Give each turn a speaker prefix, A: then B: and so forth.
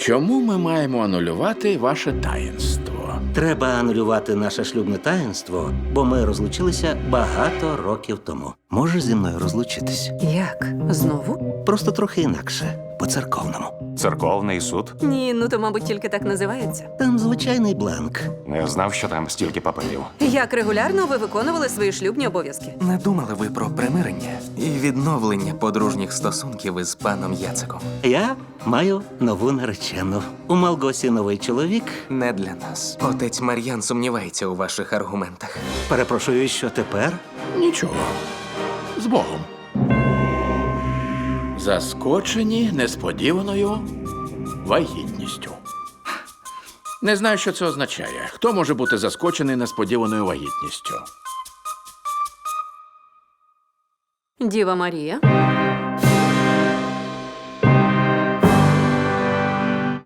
A: Чому ми маємо анулювати ваше таїнство?
B: Треба анулювати наше шлюбне таїнство, бо ми розлучилися багато років тому. Можеш зі мною розлучитись?
C: Як? Знову?
B: Просто трохи інакше, по-церковному.
D: Церковний суд?
C: Ні, ну то, мабуть, тільки так називається.
B: Там звичайний бланк.
D: Не знав, що там стільки паперів.
C: Як регулярно ви виконували свої шлюбні обов'язки?
E: Не думали ви про примирення і відновлення подружніх стосунків із паном Яциком?
B: Я маю нову наречену. У Малгосі новий чоловік.
E: Не для нас. Отець Мар'ян сумнівається у ваших аргументах.
B: Перепрошую, що тепер?
A: Нічого. З Богом. Заскочені несподіваною вагітністю. Не знаю, що це означає. Хто може бути заскочений несподіваною вагітністю?
C: Діва Марія.